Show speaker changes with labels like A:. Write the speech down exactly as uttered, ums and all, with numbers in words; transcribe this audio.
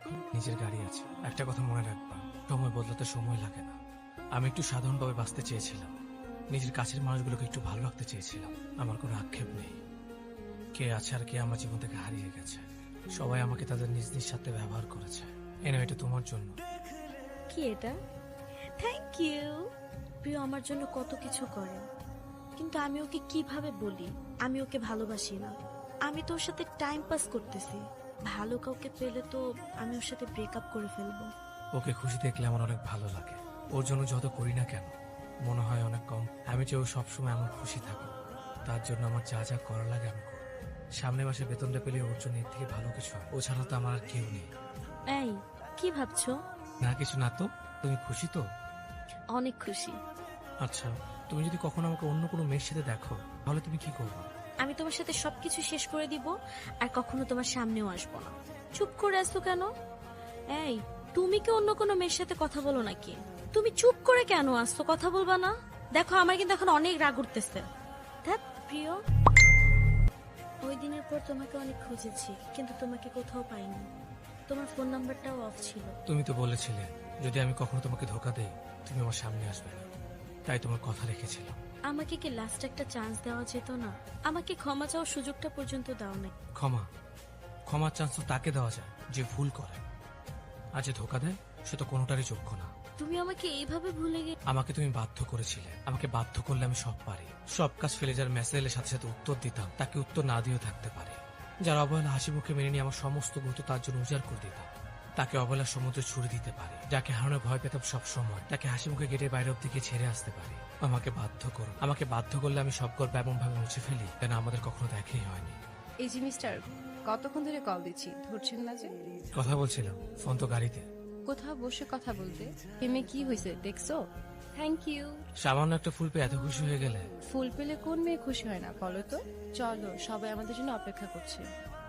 A: এখন নিজের গাড়ি আছে। একটা কথা মনে রাখবা, সময় বদলাতে সময় লাগে না। আমি একটু সাধারণভাবে বাঁচতে চেয়েছিলাম, নিজের কাছের মানুষগুলোকে একটু ভালো রাখতে চেয়েছিলাম। আমার কোনো আক্ষেপ নেই। কে আছে আর কে আমার জীবন থেকে হারিয়ে গেছে, সবাই আমাকে তাদের নিজ নিজ সাথে ব্যবহার করেছে। এনে এটা তোমার জন্য।
B: কি এটা? Thank you. প্রিয় আমার জন্য কত কিছু করে, কিন্তু আমি ওকে কিভাবে বলি আমি ওকে ভালোবাসি না? আমি তো ওর সাথে টাইম পাস করতেছি। ভালো কাউকে পেলে তো আমি ওর সাথে ব্রেকআপ করে ফেলবো।
A: ওকে খুশি দেখলে আমার অনেক ভালো লাগে। ওর জন্য যত করি না কেন মনে হয় অনেক কম। আমি যে ও সবসময় এমন খুশি থাকুক, তার জন্য আমার যা যা করা লাগে আমি করব। সামনে মাসে বেতনটা পেলে ওর জন্য এর থেকে ভালো কিছু হয়। ও ছাড়া তো আমার আর কেউ নেই।
B: এই কি ভাবছো?
A: না কিছু না তো। তুমি খুশি তো?
B: অনেক খুশি।
A: আচ্ছা, তুমি যদি কখনো আমাকে অন্য কোনো মেয়ের সাথে দেখো তাহলে তুমি কি করবে?
B: আমি তোমার সাথে সবকিছু শেষ করে দিব, আর কখনো তোমার সামনেও আসবো না। চুপ করে আসতো কেন? এই, তুমি কি অন্য কোনো মেয়ের সাথে কথা বলো নাকি? তুমি চুপ করে কেন আসতো? কথা বলবা না? দেখো আমার কিন্তু এখন অনেক রাগ উঠতেছে। ধ্যাৎ, প্রিয়, ওই দিনের পর তোমাকে অনেক খুঁজেছি, কিন্তু তোমাকে কোথাও পাইনি। তোমার ফোন নাম্বারটাও অফ ছিল।
A: তুমি তো বলেছিলে যদি আমি কখনো তোমাকে ধোকা দেই তুমি আমার সামনে আসবে না, তাই তোমার কথা রেখেছিলাম।
B: আমাকে কি লাস্ট একটা চান্স দেওয়া যেত না? আমাকে ক্ষমা চাওয়ার সুযোগটা পর্যন্ত দাও নাই।
A: ক্ষমা? ক্ষমার চান্স তো তাকে দেওয়া যায় যে ভুল করে, আর যে ধোকা দেয় সে তো কোনোটারই যোগ্য না।
B: তুমি আমাকে এইভাবে ভুলে গে
A: আমাকে তুমি বাধ্য করেছিলে। আমাকে বাধ্য করলে আমি সব পারি। সব কাজ ফেলে যার মেসেজের সাথে সাথে উত্তর দিতাম, তাকে উত্তর না দিয়েও থাকতে পারে। যার অবহেলা হাসি মুখে মেনে নিয়ে আমার সমস্ত গুরুত্ব তার জন্য উজাড় করে দিতাম, তাকে অবহেলার সমুদ্রে ছুড়ে দিতে পারে। যাকে হারানোর ভয় পেতাম সব সময়, তাকে হাসি মুখে গেটের বাইরে অব্দি গিয়ে ছেড়ে আসতে পারি। আমাকে বাধ্য করো। আমাকে বাধ্য করলে আমি সব গল্প এমন ভাবে মুছে ফেলি যেন আমাদের কখনো দেখাই হয়নি।
C: এই যে মিস্টার, কতক্ষণ ধরে কল দিচ্ছি, ধরছেন না যে?
A: কথা বলছিলাম, ফোন তো গাড়িতে।
C: কোথাও বসে কথা বলতে হেমে কি হয়েছে দেখছো? Thank you.
A: সামান্য একটা ফুল পেয়ে এত খুশি হয়ে গেলে?
C: ফুল পেলে কোন মেয়ে খুশি হয় না বলো তো? চলো, সবাই আমাদের জন্য অপেক্ষা করছে।